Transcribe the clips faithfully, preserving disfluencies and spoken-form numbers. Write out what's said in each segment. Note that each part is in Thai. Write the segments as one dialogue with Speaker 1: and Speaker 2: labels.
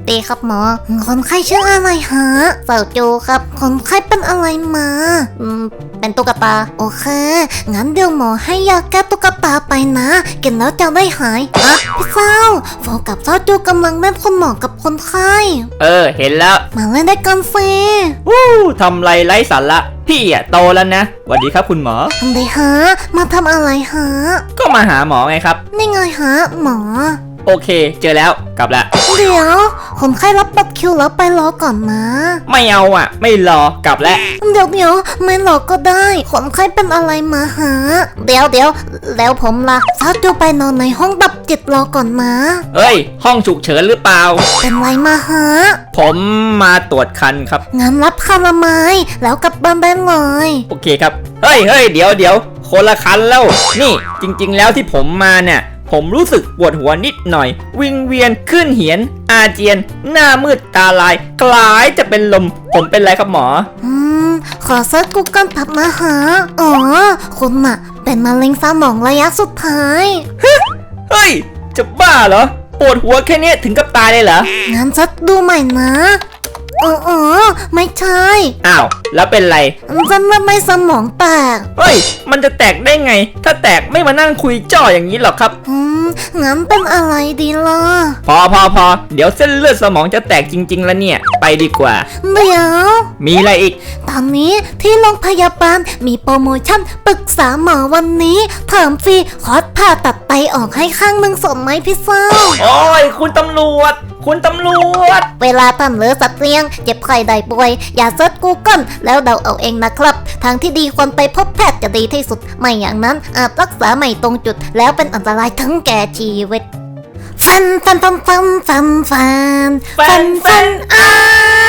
Speaker 1: ดีครับหมอคนไข้ชื่ออะไรฮะเซาจูครับคนไข้เป็นอะไรมาอืมเป็นตุ๊กตาโอเคงั้นเดี๋ยวหมอให้ยาแก้ตุ๊กตาไปนะกินแล้วจะได้หายอ่ะพี่เศร้าโฟกับเซาจูกำลังเล่นคุณหมอกับคนไข้
Speaker 2: เออเห็นแล้ว
Speaker 1: มาเล่นได้กันสิ
Speaker 2: วู้ทำไรไร้สาระพี่อะโตแล้วนะสวัสดีครับคุณหมอ
Speaker 1: ทำไมฮะมาทำอะไรฮะ
Speaker 2: ก็มาหาหมอไงครับ
Speaker 1: นี่ไงฮะหมอ
Speaker 2: โอเคเจอแล้วกลับละ
Speaker 1: เดี๋ยวคนไข้รับบัตรคิวแล้วไปรอก่อนนะ
Speaker 2: ไม่เอาอ่ะไม่รอกลับแล้ว
Speaker 1: เดี๋ยวเดี๋ยวไม่รอก็ได้คนไข้เป็นอะไรมาฮะเดี๋ยวเดี๋ยวแล้วผมล่ะซาจูไปนอนในห้องดับจิตรอก่อนนะ
Speaker 2: เอ้ยห้องฉุกเฉินหรือเปล่า
Speaker 1: เป็นไรมาฮะ
Speaker 2: ผมมาตรวจคันครับ
Speaker 1: งั้นรับคันละไม้แล้วกลับบ้านได้เลย
Speaker 2: โอเคครับเฮ้ยเฮ้ยเดี๋ยวเดี๋ยวคนละคันแล้วนี่จริงๆแล้วที่ผมมาเนี่ยผมรู้สึกปวดหัวนิดหน่อยวิงเวียนขึ้นเหียนอาเจียนหน้ามืดตาลายคล้ายจะเป็นลมผมเป็นไรครับหมอ
Speaker 1: อืมขอเซิร์ชกูเกิลแป๊บนะฮะอ๋อคุณอะเป็นมะเร็งสมองระยะสุดท้าย
Speaker 2: เฮ้ยจะบ้าเหรอปวดหัวแค่นี้ถึงกับตายเลยเหรอ
Speaker 1: งั้นเซิร์ชดูใหม่นะอ๋ออ๋อไม่ใช่
Speaker 2: อ้าวแล้วเป็นไร
Speaker 1: ฉันว่าไม่สมองแตก
Speaker 2: เฮ้ยมันจะแตกได้ไงถ้าแตกไม่มานั่งคุยจ่ออย่างนี้หรอกครับ
Speaker 1: อืมงั้นเป็นอะไรดีล่ะ
Speaker 2: พอพอพอเดี๋ยวเส้นเลือดสมองจะแตกจริงๆแล้วเนี่ยไปดีกว่า
Speaker 1: เดี๋ยว
Speaker 2: มีอะไรอีก
Speaker 1: ตอนนี้ที่โรงพยาบาลมีโปรโมชั่นปรึกษาหมอวันนี้เพิ่มฟรีคอร์สผ่าตัดไตออกให้ข้างหนึ่งสมไหมพี่เศร้า
Speaker 2: โอ้ยคุณตำรวจคุณตำรวจ
Speaker 1: เวลาทำหรือสัตว์เลี้ยงเจ็บไข้ได้ป่วยอย่าเซิร์ชกูเกิลแล้วเดาเอาเองนะครับทางที่ดีควรไปพบแพทย์จะดีที่สุดไม่อย่างนั้นอาจรักษาไม่ตรงจุดแล้วเป็นอันตรายทั้งแก่ชีวิตฟันฟันฟันฟันฟันฟันฟันฟันอ้า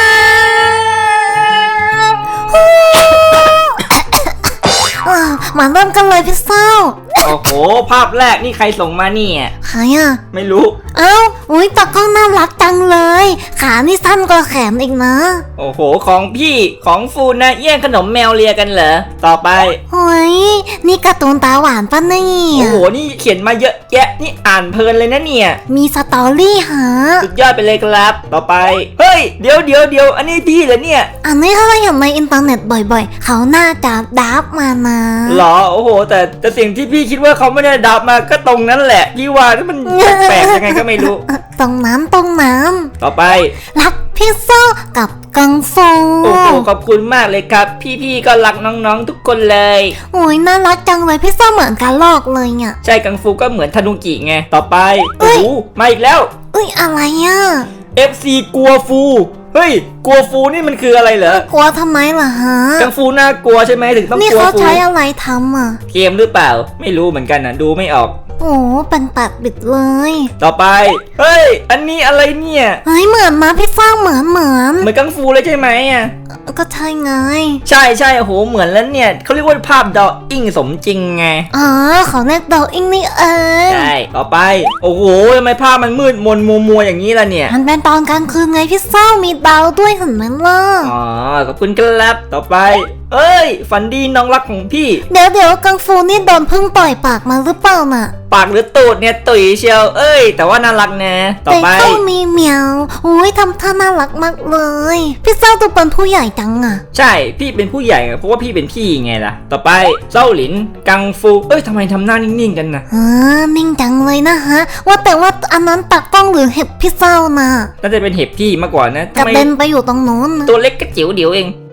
Speaker 1: มาเริ่มกันเลยพี่เศร้า
Speaker 2: โอ้โหภาพแรกนี่ใครส่งมาเนี่ย
Speaker 1: ใครอ่ะ
Speaker 2: ไม่รู้
Speaker 1: เอ้าอุ้ยตากล้องน่ารักจังเลยขานี่สั้นกว่าแขนอีกนะ
Speaker 2: โอ้โหของพี่ของฟูนะแย่งขนมแมวเลียกันเหรอต่อไป
Speaker 1: โอ้ยนี่การ์ตูนตาหวานป่ะเนี่ย
Speaker 2: โอ้โหนี่เขียนมาเยอะแยะนี่อ่านเพลินเลยนะเนี่ย
Speaker 1: มีสตอรี่ฮะ
Speaker 2: สุดยอดไปเลยครับต่อไปเฮ้ยเดี๋ยวเดี๋ยวเดี๋ยวอันนี้พี่เหรอเนี่ย
Speaker 1: อันนี้เขาเห็นในอินเทอร์เน็ตบ่อยๆเขาน่าจะดับมานะ
Speaker 2: หรอโอ้โหแต่แต่สิ่งที่พี่คิดว่าเขาไม่ได้ดับมาก็ตรงนั้นแหละพี่ว่ามันแปลกยังไงก็ไม่รู้
Speaker 1: ตรงนั้นตรงนั้น
Speaker 2: ต่อไป
Speaker 1: รักพี่โซ่กับกังฟู
Speaker 2: โอ้โหขอบคุณมากเลยครับพี่ๆก็รักน้องๆทุกคนเลย
Speaker 1: โอ้ยน่ารักจังเลยพี่โซ่เหมือนกันลอกเลยเนี่ย
Speaker 2: ใช่กังฟูก็เหมือนทานุกิไงต่อไปโอ้โหมาอีกแล้ว
Speaker 1: เอ้ยอะไรอ่ะ
Speaker 2: เอฟ ซี กลัวฟูเฮ้ยกลัวฟูนี่มันคืออะไรเหร
Speaker 1: อกลัวทำไมล่ะฮะ
Speaker 2: กังฟูน่ากลัวใช่ไหมถึงต้องกลัวฟูนี่
Speaker 1: เขาใช้อะไรทำอ่ะ
Speaker 2: เกมหรือเปล่าไม่รู้เหมือนกันนะดูไม่ออก
Speaker 1: โอ้เป็นปากบิดเลย
Speaker 2: ต่อไปเฮ้ยอันนี้อะไรเนี่ย
Speaker 1: เฮ้ยเหมือนมาพี่ฟ้าเหมือนเหมือน
Speaker 2: เหมือนกังฟูเลยใช่ไหมอ่ะ
Speaker 1: ก็ใช่ไง
Speaker 2: ใช่ใช่โอ้โหเหมือนแล้วเนี่ยเขาเรียกว่าภาพดออิงสมจริงไง
Speaker 1: อ๋อเขาเรียกดออิงนี่เอง
Speaker 2: ใช่ต่อไปโอ้โหทำไมภาพมันมืดมนมัวมัวอย่างนี้ล่ะเนี่ย
Speaker 1: มันเป็นตอนกลางคืนไงพี่ฟ้ามีดาวด้วยเห็นไหมล่ะ
Speaker 2: อ๋อขอบคุณครับต่อไปเอ้ยฝันดีน้องรักของพี่
Speaker 1: เดี๋ยวเดี๋ยวกังฟูนี่โดนพึ่งต่อยปากมาหรือเปล่าน่ะ
Speaker 2: ปากหรือตูดเนี่ยตุ๋ยเชียวเอ้ยแต่ว่าน่ารักนะต่อไป
Speaker 1: แต่เขามีเหมียวอุ้ยทำท่าน่ารักมากเลยพี่เจ้าตัวเป็นผู้ใหญ่จังอ่ะ
Speaker 2: ใช่พี่เป็นผู้ใหญ่เพราะว่าพี่เป็นพี่ไงล่ะต่อไปเจ้าหลินกังฟูเอ้ยทำไมทำหน้านิ่งๆกันนะ
Speaker 1: เออนิ่งจังเลยนะฮะว่าแต่ว่าอันนั้นตากล้องหรือเห็บพี่เจ้าน่ะ
Speaker 2: น่าจะเป็นเห็บพี่มากกว่านะ
Speaker 1: กระเด็นไปอยู่ตรงโน้น
Speaker 2: ตัวเล็กกระจิ๋วเดียวเอง